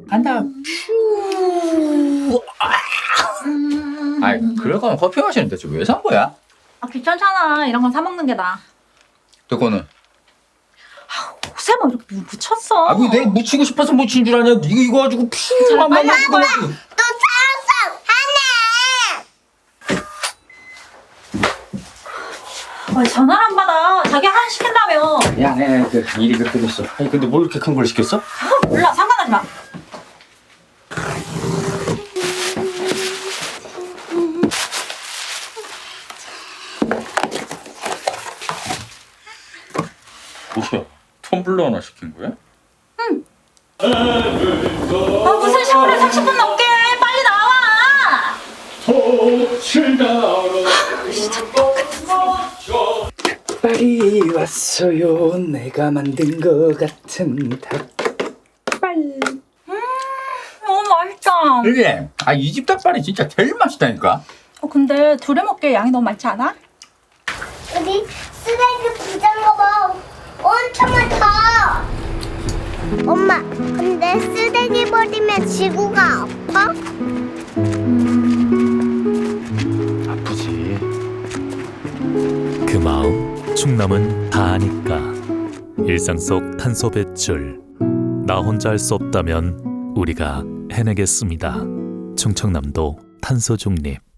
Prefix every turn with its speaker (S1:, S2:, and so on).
S1: 간다. 퓨. 아이, 그럴 거면 커피 마시는데 왜 산 거야?
S2: 아, 귀찮잖아. 이런 건 사 먹는 게 나아.
S1: 그거는.
S2: 옷에 뭐 이렇게 묻혔어.
S1: 아, 뭐 내가 묻히고 싶어서 묻힌 줄 아냐? 이거 가지고 퓨.
S2: 빨리 할 거야.
S3: 또 찾았어! 하나!
S2: 왜 전화를 안 받아? 자기 하나 시킨다며.
S1: 야, 내 그 일이 그렇게 됐어. 아니, 근데 뭘 이렇게 큰 걸 시켰어?
S2: 아, 몰라. 상관하지 마.
S1: 뭐야? 텀블러 하나 시킨 거야?
S2: 아, 무슨 샤워를 30분 넘게 해. 빨리 나와.
S1: 빨리 왔어요. 내가 만든 거 같은 닭발.
S2: 너무 맛있다.
S1: 그래. 아, 이 집 닭발이 진짜 제일 맛있다니까.
S2: 근데 둘이 먹기에 양이 너무 많지 않아?
S3: 우리 쓰레기 부자인 거 봐. 엄청 많다. 엄마, 근데 쓰레기 버리면 지구가 아파?
S1: 아프지.
S4: 그 마음 충남은 다 아니까. 일상 속 탄소 배출 나 혼자 할 수 없다면 우리가 해내겠습니다. 충청남도 탄소 중립.